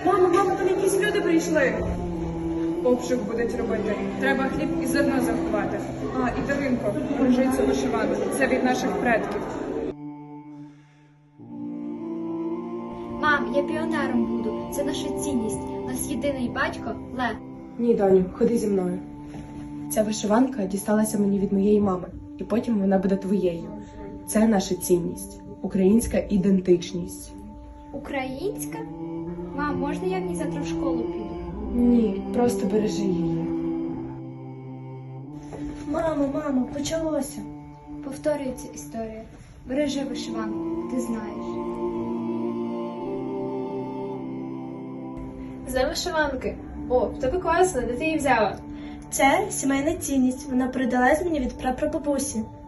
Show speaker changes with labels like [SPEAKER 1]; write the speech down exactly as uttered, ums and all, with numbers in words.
[SPEAKER 1] Мамо, мамо, там якісь люди прийшли. Обшук будуть робити. Треба хліб і зерно заховати. А, і Даринко, бережи цю вишиванку. Це від наших предків.
[SPEAKER 2] Мам, я піонером буду. Це наша цінність. У нас єдиний батько Лев.
[SPEAKER 3] Ні, доню, ходи зі мною. Ця вишиванка дісталася мені від моєї мами, і потім вона буде твоєю. Це наша цінність, українська ідентичність.
[SPEAKER 2] Українська? Мам, можна я в ній завтра в школу піду?
[SPEAKER 3] Ні, просто бережи її.
[SPEAKER 4] Мамо, мамо, почалося.
[SPEAKER 2] Повторюється історія. Бережи вишиванку, ти знаєш.
[SPEAKER 5] З вишиванки. О, в тебе класно, де ти її взяла?
[SPEAKER 4] Це сімейна цінність. Вона передалась мені від прапрабабусі.